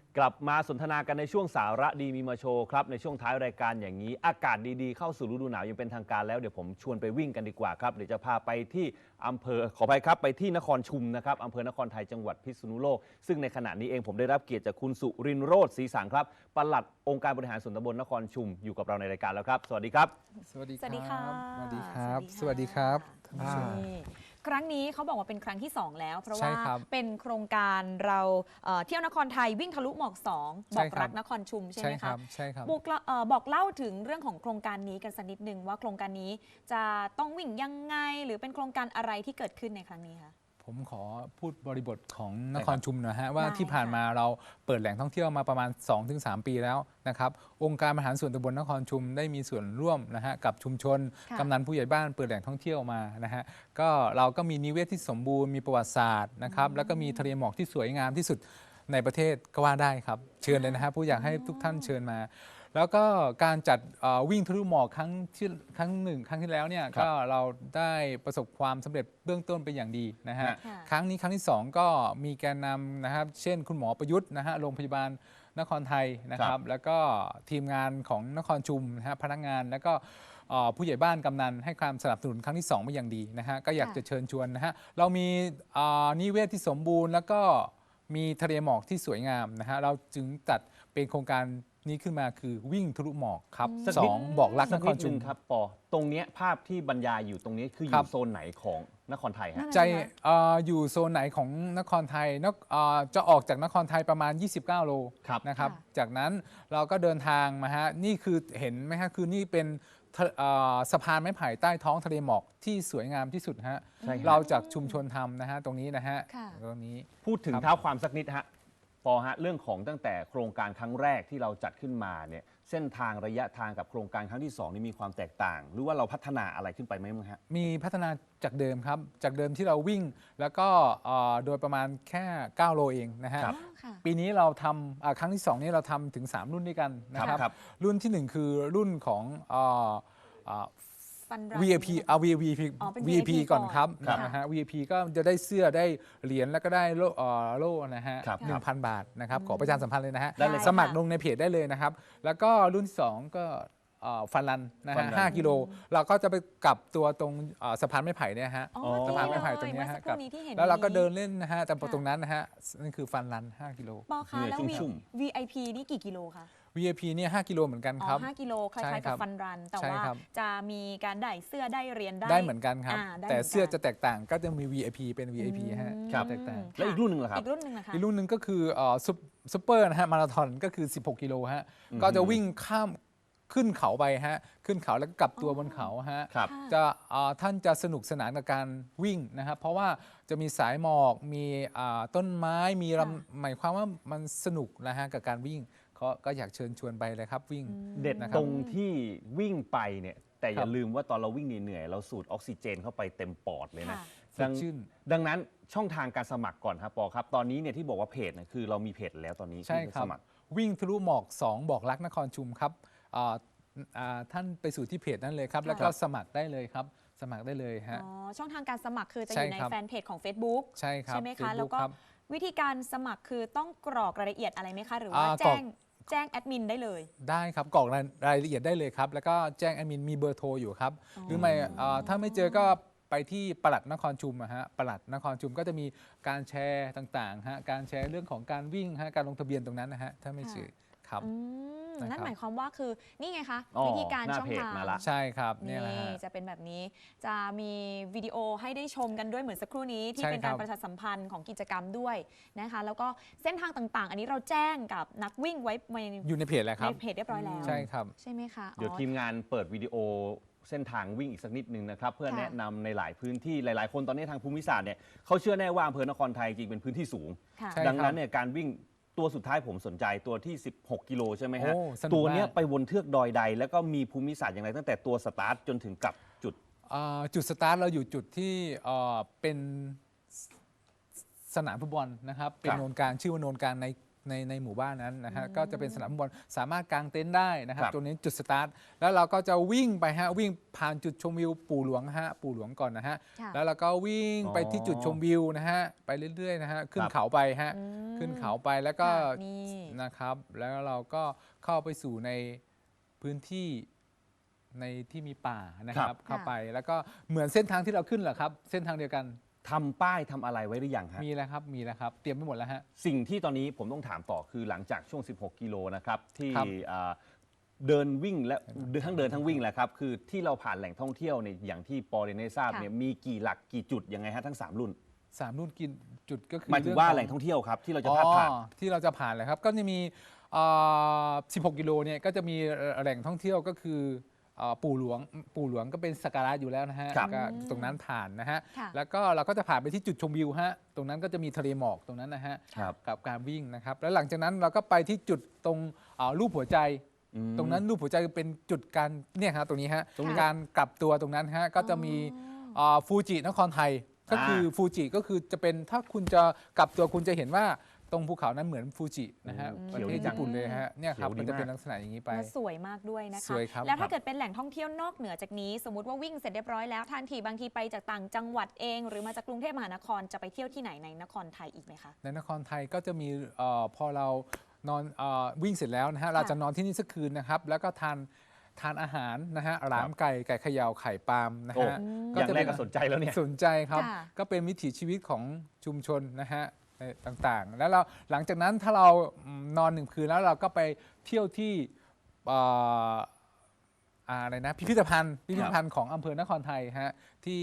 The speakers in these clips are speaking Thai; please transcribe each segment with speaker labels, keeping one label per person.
Speaker 1: กลับมาสนทนากันในช่วงสาระดีมีมาโชว์ครับในช่วงท้ายรายการอย่างนี้อากาศดีๆเข้าสู่ฤดูหนาวยังเป็นทางการแล้วเดี๋ยวผมชวนไปวิ่งกันดีกว่าครับเดี๋ยวจะพาไปที่อำเภอขออภัยครับไปที่นครชุมนะครับอำเภอนครไทยจังหวัดพิษณุโลกซึ่งในขณะนี้เองผมได้รับเกียรติจากคุณสุรินทร์โรจน์ศรีสังครับปลัดองค์การบริหารส่วนตำบลนครชุมอยู่กับเราในรายการแล้วครับสวัสดีครับ
Speaker 2: สวัสดีค
Speaker 3: สวัสดี
Speaker 2: รั
Speaker 3: ค่ะ
Speaker 2: บสวัสดีครับ
Speaker 3: ส
Speaker 2: ส
Speaker 3: วั
Speaker 2: วั
Speaker 3: ส
Speaker 2: ส
Speaker 3: ดี
Speaker 2: ดี
Speaker 3: ค
Speaker 2: ค
Speaker 3: รั
Speaker 2: รับ บ
Speaker 3: นี่ครั้งนี้เขาบอกว่าเป็นครั้งที่ 2 แล้ว เพราะ
Speaker 2: ใช่
Speaker 3: ว่า
Speaker 2: ครับ
Speaker 3: เป็นโครงการเราเที่ยวนครไทยวิ่งทะลุหมอก 2
Speaker 2: ใช่
Speaker 3: บอก
Speaker 2: ครับ
Speaker 3: รักนครชุมใช่ไห
Speaker 2: ใช่
Speaker 3: ม
Speaker 2: ครั
Speaker 3: คะ
Speaker 2: บใช่ครับ
Speaker 3: บอกเล่าถึงเรื่องของโครงการนี้กันสักนิดนึงว่าโครงการนี้จะต้องวิ่งยังไง หรือเป็นโครงการอะไรที่เกิดขึ้นในครั้งนี้คะ
Speaker 2: ผมขอพูดบริบทของน
Speaker 1: ได้
Speaker 2: ค
Speaker 1: ครั
Speaker 2: ร
Speaker 1: บ
Speaker 2: ชุมหนะฮะว่า
Speaker 3: ได้
Speaker 2: ที่ผ่าน
Speaker 3: ค่ะ
Speaker 2: มาเราเปิดแหล่งท่องเที่ยวมาประมาณ 2-3 ปีแล้วนะครับองค์การบริหารส่วนตำบลนครชุมได้มีส่วนร่วมนะฮะกับชุมชน
Speaker 3: ค่ะ
Speaker 2: กำนันผู้ใหญ่บ้านเปิดแหล่งท่องเที่ยวมานะฮะก็เราก็มีนิเวศที่สมบูรณ์มีประวัติศาสตร์นะครับแล้วก็มีทะเลหมอกที่สวยงามที่สุดในประเทศก็ว่าได้ครับเชิญเลยนะฮะผู้อยากให้ทุกท่านเชิญมา แล้วก็การจัดวิ่งทะลุหมอกครั้งที่แล้วเนี่ย
Speaker 1: ครับ
Speaker 2: ก็เราได้ประสบความสำเร็จเบื้องต้นเป็นอย่างดีนะฮะ
Speaker 1: ฮะ
Speaker 3: ค่ะ
Speaker 2: ครั้งนี้ครั้งที่ 2 ก็มีแกนนำนะครับเช่นคุณหมอประยุทธ์นะฮะโรงพยาบาลนครไทยนะค
Speaker 1: ครั
Speaker 2: รับบ แล้วก็ทีมงานของนครชุมนะฮะพนักงานแล้วก็ผู้ใหญ่บ้านกำนันให้ความสนับสนุนครั้งที่2มาอย่างดีนะฮะก็อยาก
Speaker 3: ค่ะ
Speaker 2: จะเชิญชวนนะฮะเรามีนิเวศที่สมบูรณ์แล้วก็มีทะเลหมอกที่สวยงามนะฮะเราจึงจัดเป็นโครงการนี้ขึ้นมาคือวิ่งทะลุหมอกครับ
Speaker 1: สักนิด
Speaker 2: 2บอกรัก
Speaker 1: สั
Speaker 2: น
Speaker 1: ก
Speaker 2: ค
Speaker 1: นิ
Speaker 2: ร
Speaker 1: ด
Speaker 2: ชุ
Speaker 1: นึ
Speaker 2: ม
Speaker 1: งครับปอตรงเนี้ยภาพที่บรรยายอยู่ตรงนี้คืออ
Speaker 2: ครั
Speaker 1: ยู่
Speaker 2: บ
Speaker 1: โซนไหนของนครไทยฮะ
Speaker 3: นั่น
Speaker 2: ใจอยู่โซนไหนของนครไทยจะออกจากนครไทยประมาณ 29 โล
Speaker 1: ครับ
Speaker 2: นะครับ
Speaker 3: ค่ะ
Speaker 2: จากนั้นเราก็เดินทางมาฮะนี่คือเห็นไหมฮะคือนี่เป็นสะพานไม้ไผ่ใต้ท้องทะเลหมอกที่สวยงามที่สุดฮะ
Speaker 1: ใช่ครับ
Speaker 2: เราจากชุมชนทำนะฮะตรงนี้นะฮะ
Speaker 3: ค่ะ
Speaker 2: ตรงนี้
Speaker 1: พูดถึง
Speaker 2: ครับ
Speaker 1: เท้าความสักนิดฮะปอฮะเรื่องของตั้งแต่โครงการครั้งแรกที่เราจัดขึ้นมาเนี่ยเส้นทางระยะทางกับโครงการครั้งที่2นี่มีความแตกต่าง หรือว่าเราพัฒนาอะไรขึ้นไปไหมมั้งฮะ
Speaker 2: มีพัฒนาจากเดิมครับ จากเดิมที่เราวิ่งแล้วก็โดยประมาณแค่ 9 โลเองนะฮะ
Speaker 1: ครับ
Speaker 3: อ๋อค่ะ
Speaker 2: ปีนี้เราทำครั้งที่ 2 นี้เราทำถึง 3 รุ่นด้วยกันนะครับ
Speaker 1: ครับ
Speaker 2: รุ่นที่ 1 คือรุ่นของ
Speaker 3: ฟันรัน
Speaker 2: VIP VIP
Speaker 3: อ๋อเป็น
Speaker 2: VIP ก่อนครับ
Speaker 3: ครับ
Speaker 2: นะฮะ VIP ก็จะได้เสื้อได้เหรียญแล้วก็ได้โล่นะฮะ
Speaker 1: ครับ
Speaker 2: 1,000 บาทนะครับขอประชาสัมพันธ์เลยนะฮะ
Speaker 1: ได้เลย
Speaker 2: สมัครลงในเพจได้เลยนะครับ แล้วก็รุ่นที่ 2 ก็ฟันรันนะ
Speaker 1: ฟั
Speaker 2: ฮะ
Speaker 1: นรัน
Speaker 2: 5 กิโลเราก็จะไปกลับตัวตรงสะพานไม้ไผ่เนี่ยฮะ
Speaker 3: อ๋อ
Speaker 2: สะพานไม้ไผ่
Speaker 3: นี่
Speaker 2: ตรงเนี้ย
Speaker 3: เมื่อ
Speaker 2: ฮะ
Speaker 3: สักครู่นี้ที่เห็น
Speaker 2: แล้วเราก็
Speaker 3: นี้
Speaker 2: เดินเล่นนะฮะแต่
Speaker 3: ค่ะ
Speaker 2: ตรงนั้นนะฮะนั่นคือฟันรัน5 กิโล
Speaker 3: ปอคะ
Speaker 1: เหนื่อย
Speaker 3: แล้ว
Speaker 1: ชุ่ม
Speaker 3: VIP นี่กี่กิโลคะ
Speaker 2: VIP เนี่ย5 กิโลเหมือนกัน
Speaker 3: อ๋
Speaker 2: ครับ
Speaker 3: อ5 กิโลค
Speaker 2: ใช่
Speaker 3: ล้ายๆ
Speaker 2: ครั
Speaker 3: กับบ ฟันรัน แต่
Speaker 2: ใช่
Speaker 3: ว่า
Speaker 2: ครับ
Speaker 3: จะมีการได้เสื้อได้เหรียญ
Speaker 2: ได้เหมือนกันครับ
Speaker 3: ได้
Speaker 2: แต่
Speaker 3: หมืนกัน
Speaker 2: เสื้อจะแตกต่างก็จะมี VIP เป็น VIP ฮะ
Speaker 1: ครับ
Speaker 2: แตกต่าง
Speaker 1: แล้วอีกรุ่นหนึ่งเหรอครับ
Speaker 3: อีกรุ่นหนึ่งนะคะ
Speaker 2: อีกรุ่นหนึ่งก็คือซุปเปอร์นะฮะมาราธอนก็คือ 16 กิโลฮะก็จะวิ่งข้ามขึ้นเขาไปฮะขึ้นเขาแล้วก็กลับตัวบนเขาฮะ
Speaker 1: ครับ
Speaker 3: ค่ะ
Speaker 2: จะท่านจะสนุกสนานกับการวิ่งนะครับเพราะว่าจะมีสายหมอกมีต้นไม้มี
Speaker 3: ค่ะ
Speaker 2: หมายความว่ามันสนุกนะฮะกับการวิ่งก็อยากเชิญชวนไปเลยครับวิ่ง
Speaker 1: เด็ด
Speaker 2: นะครับ
Speaker 1: ตรงที่วิ่งไปเนี่ยแต่อย่า
Speaker 2: ครับ
Speaker 1: ลืมว่าตอนเราวิ่งเหนื่อยๆเราสูดออกซิเจนเข้าไปเต็มปอดเลยนะ
Speaker 3: ค่ะ
Speaker 2: สดชื่น
Speaker 1: ดังนั้นช่องทางการสมัครก่อนครับปอครับ ตอนนี้เนี่ยที่บอกว่าเพจเนี่ยคือเรามีเพจแล้วตอนนี้
Speaker 2: ใช่
Speaker 1: ที่
Speaker 2: ครับ
Speaker 1: สมัคร
Speaker 2: วิ่งทะลุหมอก 2 บอกรักนครชุมครับท่านไปสู่ที่เพจนั้นเลยครับ
Speaker 3: ค่ะ
Speaker 2: แล้วก็สมัครได้เลยครับ สมัครได้เลยฮะ
Speaker 3: อ๋อช่องทางการสมัครคือจะอ
Speaker 2: ใช่
Speaker 3: ยู่ใน
Speaker 2: ครับ
Speaker 3: แฟนเพจของ Facebook
Speaker 2: ใช่ครับ
Speaker 3: ใช่ไหมคะ
Speaker 2: Facebook
Speaker 3: แล้วก็
Speaker 2: ครับ
Speaker 3: วิธีการสมัครคือต้องกรอกรายละเอียดอะไรไหมคะ หรือว่า
Speaker 2: กรอก
Speaker 3: แจ้งแอดมินได้เลย
Speaker 2: ได้ครับกรอกรายละเอียดได้เลยครับ แล้วก็แจ้งแอดมินมีเบอร์โทรอยู่ครับ
Speaker 3: อ๋อ
Speaker 2: หรือไม่ถ้าไม่เจอก็ไปที่ปลัดนครชุมอะฮะปลัดนครชุมก็จะมีการแชร์ต่างๆฮะการแชร์เรื่องของการวิ่งฮะการลงทะเบียนตรงนั้นนะฮะถ้าไม่เจอครับ
Speaker 3: อืม
Speaker 2: นะครับ
Speaker 3: นั่นหมายความว่าคือนี่ไงคะ
Speaker 1: อ๋อ
Speaker 3: วิธีการ
Speaker 1: หน้า
Speaker 3: ช่อง
Speaker 1: เพจ
Speaker 3: ทาง
Speaker 1: มาละ
Speaker 2: ใช่ครับเนี่
Speaker 3: นี่
Speaker 2: ยนะฮะ
Speaker 3: จะเป็นแบบนี้จะมีวิดีโอให้ได้ชมกันด้วยเหมือนสักครู่นี้ที่
Speaker 2: ใช่
Speaker 3: เป็นการ
Speaker 2: ครับ
Speaker 3: ประชาสัมพันธ์ของกิจกรรมด้วยนะคะแล้วก็เส้นทางต่างๆ อันนี้เราแจ้งกับนักวิ่งไว้ใน
Speaker 2: อยู่ในเพจแล้วครับ
Speaker 3: เพจเรียบร้อยแล้ว
Speaker 2: ใช่ครับ
Speaker 3: ใช่ไหมคะ
Speaker 1: เดี๋ยว
Speaker 3: อ๋อ
Speaker 1: ทีมงานเปิดวิดีโอเส้นทางวิ่งอีกสักนิดนึงนะครับ เพื่อ
Speaker 3: ค่ะ
Speaker 1: แนะนำในหลายพื้นที่หลายๆ คนตอนนี้ทางภูมิศาสตร์เนี่ยเขาเชื่อแน่ว่าอำเภอนครไทยจริงเป็นพื้นที่สูง
Speaker 3: ค่ะ
Speaker 2: ใช่
Speaker 1: ดังนั้นเนี่ยการวิ่งตัวสุดท้ายผมสนใจตัวที่ 16 กิโลใช่ไหมฮะ
Speaker 2: โอ้สนุก
Speaker 1: ตัวเนี้ย
Speaker 2: มาก
Speaker 1: ไปบนเทือกดอยใด แล้วก็มีภูมิศาสตร์อย่างไรตั้งแต่ตัวสตาร์ทจนถึงกลับจุด
Speaker 2: จุดสตาร์ทเราอยู่จุดที่เป็นสนามฟุตบอลนะครับเป็น
Speaker 1: ครับ
Speaker 2: โนนกลางชื่อว่าโนนกลางในในหมู่บ้านนั้นนะฮะก็จะเป็นสนามฟุตบอลสามารถกางเต็นท์ได้นะครับ
Speaker 1: ครับ
Speaker 2: ตรงนี้จุดสตาร์ทแล้วเราก็จะวิ่งไปฮะวิ่งผ่านจุดชมวิวปู่หลวงฮะปู่หลวงก่อนนะฮะ
Speaker 3: ค่ะ
Speaker 2: แล้วเราก็วิ่งไปที่จุดชมวิวนะฮะไปเรื่อยๆนะฮะขึ้นเขาไปฮะ
Speaker 3: อืม
Speaker 2: ขึ้นเขาไปแล้วก็
Speaker 3: ค่ะนี่
Speaker 2: นะครับแล้วเราก็เข้าไปสู่ในพื้นที่ในที่มีป่านะค
Speaker 1: ครั
Speaker 2: รับบ เข้าไปแล้วก็เหมือนเส้นทางที่เราขึ้นเหรอครับเส้นทางเดียวกัน
Speaker 1: ทำป้ายทำอะไรไว้หรือยังฮะ
Speaker 2: มีแล้วครับมีแล้วครับเตรียมไปหมดแล้วฮะ
Speaker 1: สิ่งที่ตอนนี้ผมต้องถามต่อคือหลังจากช่วง 16 กิโลนะครับที่
Speaker 2: ครับ
Speaker 1: เดินวิ่งและทั้งเดินทั้งวิ่งแหละครับคือที่เราผ่านแหล่งท่องเที่ยวเนี่ยอย่างที่ปอเรนได้ทราบ
Speaker 3: ค่ะ
Speaker 1: เนี่ยมีกี่หลักกี่จุดยังไงฮะทั้ง 3 รุ่น
Speaker 2: 3 รุ่นกินจุดก็คือ
Speaker 1: หมายถึง
Speaker 2: เรื่
Speaker 1: ว่า
Speaker 2: ขอ
Speaker 1: แหล่งท่องเที่ยวครับที่เราจะพาดผ่าน
Speaker 2: ที่เราจะผ่านเลยครับก็จะมี16 กิโลเนี่ยก็จะมีแหล่งท่องเที่ยวก็คือปู่หลวงก็เป็นสักการะอยู่แล้วนะฮะ
Speaker 1: ครับ
Speaker 2: ก็ตรงนั้นผ่านนะฮะ
Speaker 3: ค่ะ
Speaker 2: แล้วก็เราก็จะผ่านไปที่จุดชมวิวฮะตรงนั้นก็จะมีทะเลหมอกตรงนั้นนะฮะ
Speaker 1: ครับ
Speaker 2: กับการวิ่งนะครับแล้วหลังจากนั้นเราก็ไปที่จุดตรงรูปหัวใจ
Speaker 1: อืม
Speaker 2: ตรงนั้นรูปหัวใจเป็นจุดการเนี่ยครับตรงนี้ฮะ
Speaker 3: ตรงนี้
Speaker 2: การกลับตัวตรงนั้นฮะก็จะมีฟูจินครไทยก็คือฟูจิก็คือจะเป็นถ้าคุณจะกลับตัวคุณจะเห็นว่าตรงภูเขานั้นเหมือนฟูจินะฮะ
Speaker 1: อืม
Speaker 2: ประเทศญี่ปุ่นเลยฮะเนี่ยครับ
Speaker 1: เขียวดี
Speaker 2: มันจะเป็น
Speaker 1: มาก
Speaker 2: ลักษณะอย่างนี้ไป
Speaker 3: และสวยมากด้วยนะคะ
Speaker 2: สวยครับ
Speaker 3: แล้วถ้าเกิดเป็นแหล่งท่องเที่ยวนอกเหนือจากนี้ สมมติว่าวิ่งเสร็จเรียบร้อยแล้วทันทีบางทีไปจากต่างจังหวัดเอง หรือมาจากกรุงเทพมหานครจะไปเที่ยวที่ไหนในนครไทยอีกไหมคะ
Speaker 2: ในนครไทยก็จะมีพอเรานอนวิ่งเสร็จแล้วนะฮะเราจะนอนที่นี่สักคืนนะครับแล้วก็ทานอาหารนะฮะหลามไก่เขย่าไข่ปาล์มนะ
Speaker 1: โอ้
Speaker 2: ฮะ
Speaker 1: อย่างแรกก็สนใจแล้วเนี่ย
Speaker 2: สนใจครับ
Speaker 3: ค่ะ
Speaker 2: ก็เป็นวิถีชีวิตของชุมชนนะฮะต่างๆ แล้วเราหลังจากนั้นถ้าเรานอน1 คืนแล้วเราก็ไปเที่ยวที่อะไรนะพิพิธภัณฑ์ของอำเภอนครไทยฮะที่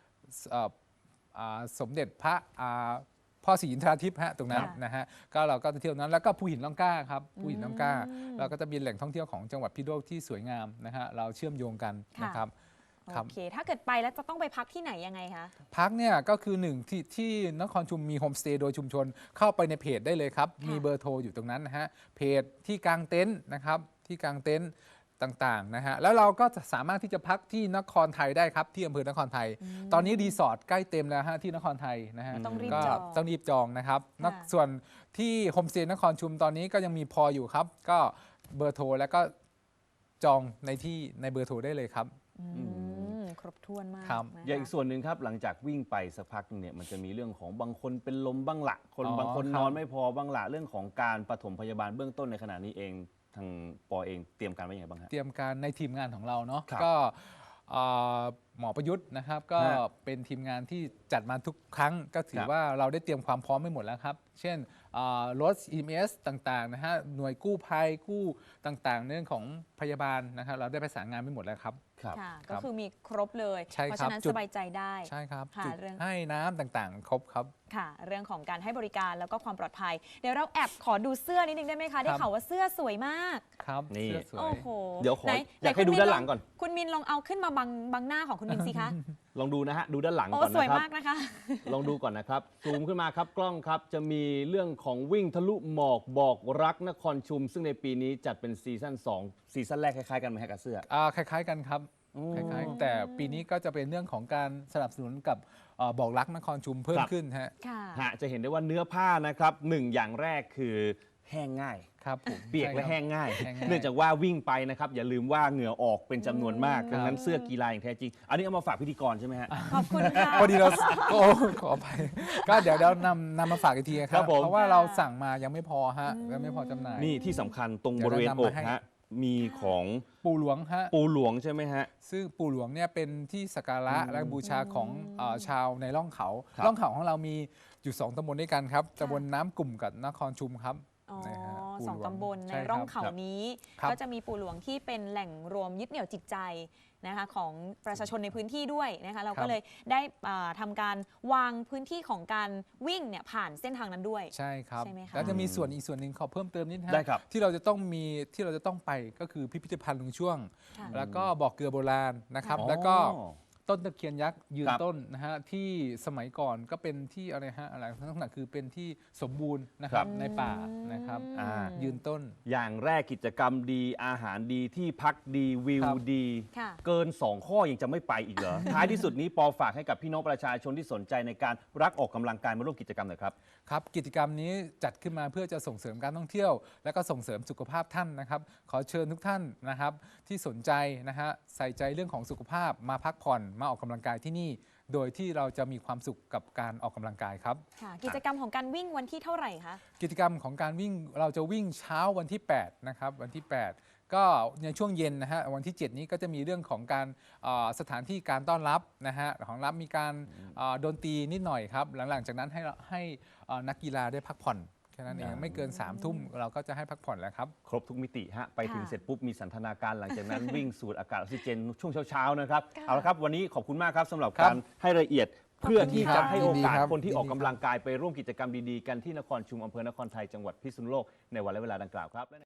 Speaker 2: สมเด็จพระพ่อศรีอินทราทิพย์ฮะตรงนั้น
Speaker 3: ค่ะ
Speaker 2: นะฮะก็เราก็จะเที่ยวนั้นแล้วก็ภูหินล่องกล้าครับภูหินล่องกล้า เราก็จะมีแหล่งท่องเที่ยวของจังหวัดพิษณุโลกที่สวยงามนะฮะเราเชื่อมโยงกัน
Speaker 3: ค่ะ
Speaker 2: นะครับครับ
Speaker 3: โอเค ถ้าเกิดไปแล้วจะต้องไปพักที่ไหนยังไงคะ
Speaker 2: พักเนี่ยก็คือที่นครชุมมีโฮมสเตย์โดยชุมชนเข้าไปในเพจได้เลยครับ
Speaker 3: ค่ะ
Speaker 2: มีเบอร์โทรอยู่ตรงนั้นนะฮะเพจที่กางเต็นท์นะครับที่กางเต็นท์ต่างๆนะฮะแล้วเราก็จะสามารถที่จะพักที่นครไทยได้ครับที่อำเภอนครไทย ตอนนี้รีสอร์ทใกล้เต็มแล้วฮะที่นครไทยนะฮะ
Speaker 3: ต้องรีบ
Speaker 2: ก็
Speaker 3: จอง
Speaker 2: ต้องรีบจองนะครับ
Speaker 3: ค่ะ
Speaker 2: ส่วนที่โฮมสเตย์นครชุมตอนนี้ก็ยังมีพออยู่ครับ ก็เบอร์โทรแล้วก็จองในเบอร์โทรได้เลยครับ
Speaker 3: ครบถ้วนมาก
Speaker 2: ครับ
Speaker 3: นะคะ
Speaker 1: อย่างอีกส่วนหนึ่งครับหลังจากวิ่งไปสักพักหนึงเนี่ยมันจะมีเรื่องของบางคนเป็นลมบ้างละบางคน
Speaker 2: ครับ
Speaker 1: นอนไม่พอบ้างละเรื่องของการปฐมพยาบาลเบื้องต้นในขณะนี้เองทางปอเองเตรียมการไว้ยังไงบ้างฮะ
Speaker 2: เตรียมการในทีมงานของเราเนาะ
Speaker 1: ครับ
Speaker 2: ก็หมอประยุทธ์นะครับก็
Speaker 1: ฮะ
Speaker 2: เป็นทีมงานที่จัดมาทุกครั้งก็ถื
Speaker 1: ค
Speaker 2: อ
Speaker 1: รับ
Speaker 2: ว่าเราได้เตรียมความพร้อมไม่หมดแล้วครับ เช่นรถ EMS ต่างๆนะฮะหน่วยกู้ภัยกู้ต่างๆ เรื่องของพยาบาลนะครับเราได้ประสานงานไม่หมดแล้วครับ
Speaker 1: ครับ
Speaker 3: ค่ะ
Speaker 2: ครั
Speaker 3: ก็
Speaker 2: บ
Speaker 3: คือมีครบเลย
Speaker 2: ใช่
Speaker 3: เพราะ
Speaker 2: ครั
Speaker 3: ฉะ
Speaker 2: บ
Speaker 3: นั้น
Speaker 2: จุด
Speaker 3: สบายใจได้
Speaker 2: ใช่ครับ
Speaker 3: ค่ะ
Speaker 2: จุด
Speaker 3: เรื่อง
Speaker 2: ให้น้ำต่างๆ ครบครับ
Speaker 3: ค่ะ เรื่องของการให้บริการแล้วก็ความปลอดภัย เดี๋ยวเราแอบขอดูเสื้อนิดนึงได้ไหมคะ ได้ข่าวว่าเสื้อสวยมาก
Speaker 2: ครับ
Speaker 1: นี่
Speaker 2: เสื้อสวย
Speaker 3: โอ้โห
Speaker 1: เดี๋ยวขอ
Speaker 3: ไหน
Speaker 1: อยากให้
Speaker 3: คุณ
Speaker 1: ดู
Speaker 3: มิ
Speaker 1: ด้านหลังก่อน
Speaker 3: คุณมินลองเอาขึ้นมาบังหน้าของคุณมินสิคะ
Speaker 1: ลองดูนะฮะดูด้านหลัง
Speaker 3: โอ้
Speaker 1: ก่อน
Speaker 3: สวย
Speaker 1: นะครับ
Speaker 3: มากนะคะ
Speaker 1: ลองดูก่อนนะครับซูมขึ้นมาครับกล้องครับจะมีเรื่องของวิ่งทะลุหมอกบอกรักนครชุม ซึ่งในปีนี้จัดเป็นซีซั่น2ซีซั่นแรกคล้ายๆกันไหมฮะกับเสื้อ
Speaker 2: คล้ายๆกันครับ
Speaker 1: อืม
Speaker 2: คล้ายๆแต่ปีนี้ก็จะเป็นเรื่องของการสนับสนุนกับบอกรักนครชุมเพิ่ม
Speaker 1: ครับ
Speaker 2: ขึ้นฮะ
Speaker 3: ค่ะ
Speaker 1: ฮะจะเห็นได้ว่าเนื้อผ้านะครับหนึ่งอย่างแรกคือแห้งง่าย
Speaker 2: ครับผม
Speaker 1: เปียกและ
Speaker 2: ใช่ครับ
Speaker 1: แห้งง่าย
Speaker 2: แห้งง่าย
Speaker 1: เนื่องจากว่าวิ่งไปนะครับอย่าลืมว่าเหงื่อออกเป็นจำนวนมาก
Speaker 2: ครับ
Speaker 1: ดังนั้นเสื้อกีฬาอย่างแท้จริง อันนี้เอามาฝากพิธีกรใช่ไหมฮะ
Speaker 3: ขอบคุณค่ะ
Speaker 2: พอดีเราโอ้ขอไปก็เดี๋ยวเรานำมาฝากอีกทีค
Speaker 1: ครั
Speaker 2: รับบ
Speaker 1: ผม
Speaker 2: เพราะว่าเราสั่งมายังไม่พอฮะยังไม่พอจำหน่าย
Speaker 1: นี่ที่สำคัญตรง
Speaker 2: เดี๋
Speaker 1: บ
Speaker 2: ยว
Speaker 1: ริเวณ
Speaker 2: เรา
Speaker 1: อน
Speaker 2: ำ
Speaker 1: ก
Speaker 2: มาให้
Speaker 1: ฮะมีของ
Speaker 2: ปู่หลวงฮะ
Speaker 1: ปูหลวงใช่ไหมฮะ
Speaker 2: ซึ่งปู่หลวงเนี่ยเป็นที่สักการะและบูชาของชาวในร่องเขา
Speaker 1: ครับ
Speaker 2: ร่องเขาของเรามีอยู่2 ตำบลด้วยกันครับตำบลน้ำกลุ่มกับนครชุมครับ
Speaker 3: อ๋อ
Speaker 2: นะฮะปู่
Speaker 3: สอง
Speaker 2: หลว
Speaker 3: ตำบลใน
Speaker 2: ช่คบ
Speaker 3: ร่องเขานี้
Speaker 2: ครับ
Speaker 3: ก็จะมีปู่หลวงที่เป็นแหล่งรวมยึดเหนี่ยวจิตใจนะคะของประชาชนในพื้นที่ด้วยนะคะเรา
Speaker 2: ครั
Speaker 3: ก็
Speaker 2: บ
Speaker 3: เลยได้ทำการวางพื้นที่ของการวิ่งเนี่ยผ่านเส้นทางนั้นด้วย
Speaker 2: ใช่ครับ
Speaker 3: ใช่ไหมคะ
Speaker 2: แล้วจะมีส่วนอีกส่วนหนึ่งขอเพิ่มเติมนิดนะฮะ
Speaker 1: ได้ครับ
Speaker 2: ที่เราจะต้องไปก็คือพิพิธภัณฑ์ลุงช่วง
Speaker 3: ค่ะ
Speaker 2: แล้วก็บ่อเกลือโบราณนะครับ
Speaker 1: อ๋อ
Speaker 2: แล้วก็ต้นตะเคียนยักษ์ยืน
Speaker 1: ครับ
Speaker 2: ต้นนะฮะที่สมัยก่อนก็เป็นที่อะไรฮะอะไรลักษณะคือเป็นที่สมบูรณ์นะครับ
Speaker 1: ครับ
Speaker 2: ในป่านะครับ
Speaker 1: อ่า
Speaker 2: ยืนต้น
Speaker 1: อย่างแรกกิจกรรมดีอาหารดีที่พักดีวิว
Speaker 2: ครับ
Speaker 1: ดี
Speaker 3: ค่ะ
Speaker 1: เกิน 2 ข้อยังจะไม่ไปอีกเหรอ ท้ายที่สุดนี้ปอฝากให้กับพี่น้องประชาชนที่สนใจในการรักออกกำลังกายมาร่วมกิจกรรมหน่อยครับ
Speaker 2: ครับกิจกรรมนี้จัดขึ้นมาเพื่อจะส่งเสริมการท่องเที่ยว และก็ส่งเสริมสุขภาพท่านนะครับ ขอเชิญทุกท่านนะครับที่สนใจนะฮะใส่ใจเรื่องของสุขภาพมาพักผ่อนมาออกกำลังกายที่นี่ โดยที่เราจะมีความสุขกับการออกกำลังกายครับ
Speaker 3: ค่ะ กิจกรรมของการวิ่งวันที่เท่าไหร่คะ
Speaker 2: กิจกรรมของการวิ่งเราจะวิ่งเช้าวันที่ 8 นะครับวันที่ 8 ก็ในช่วงเย็นนะฮะวันที่ 7 นี้ก็จะมีเรื่องของการสถานที่การต้อนรับนะฮะของรับมีการดนตรีนิดหน่อยครับหลังจากนั้นให้นักกีฬาได้พักผ่อนแค่นั้นเองไม่เกิน 3 ทุ่มเราก็จะให้พักผ่อนแล้วครับ
Speaker 1: ครบทุกมิติฮะไปถึง
Speaker 3: ค่ะ
Speaker 1: เสร็จปุ๊บมีสันทนาการหลังจากนั้น วิ่งสูดอากาศออกซิเจนช่วงเช้าๆนะครับ
Speaker 3: ค่ะ
Speaker 1: เอาละครับวันนี้ขอบคุณมากครับสำหรับ
Speaker 2: ครับ
Speaker 1: การให้รายละเอียด เพื่อที่จะให้โอกาส
Speaker 2: ยินดีครับ
Speaker 1: คนที่ออก
Speaker 2: ยินดีครับ
Speaker 1: กำลังกายไปร่วมกิจกรรมดีๆกันที่นครชุมอำเภอนครไทยจังหวัดพิษณุโลกในวันและเวลาดังกล่าวครับ